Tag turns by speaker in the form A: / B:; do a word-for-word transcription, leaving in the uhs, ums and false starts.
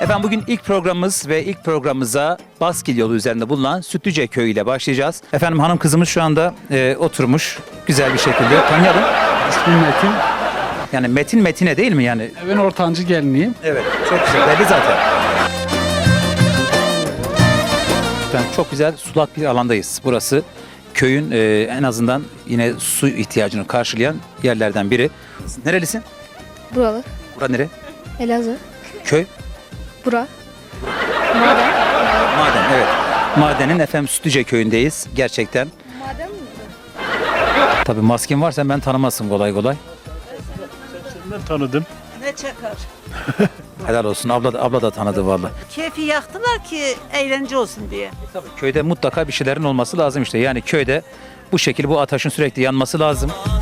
A: Efendim bugün ilk programımız ve ilk programımıza Baskil yolu üzerinde bulunan Sütlüce Köyü ile başlayacağız. Efendim hanım kızımız şu anda e, oturmuş güzel bir şekilde. Tanıyalım.
B: İsmim Metin.
A: Yani Metin Metine değil mi yani?
B: Ben ortancı geliniyim.
A: Evet. Çok güzel. Belli zaten. Efendim çok güzel sulak bir alandayız. Burası köyün e, en azından yine su ihtiyacını karşılayan yerlerden biri. Nerelisin?
C: Buralı.
A: Bura nere?
C: Elazığ.
A: Köy?
C: Bura. Maden.
A: Maden, evet. Madenin efendim Sütlüce Köyü'ndeyiz. Gerçekten.
C: Maden mi?
A: Tabii masken varsa ben tanımazsın kolay kolay.
D: Ben tanıdım.
E: Ne çakar?
A: Helal olsun. Abla da, abla da tanıdı vallahi.
E: Keyfi yaktılar ki eğlence olsun diye.
A: Köyde mutlaka bir şeylerin olması lazım işte. Yani köyde bu şekilde bu ateşin sürekli yanması lazım.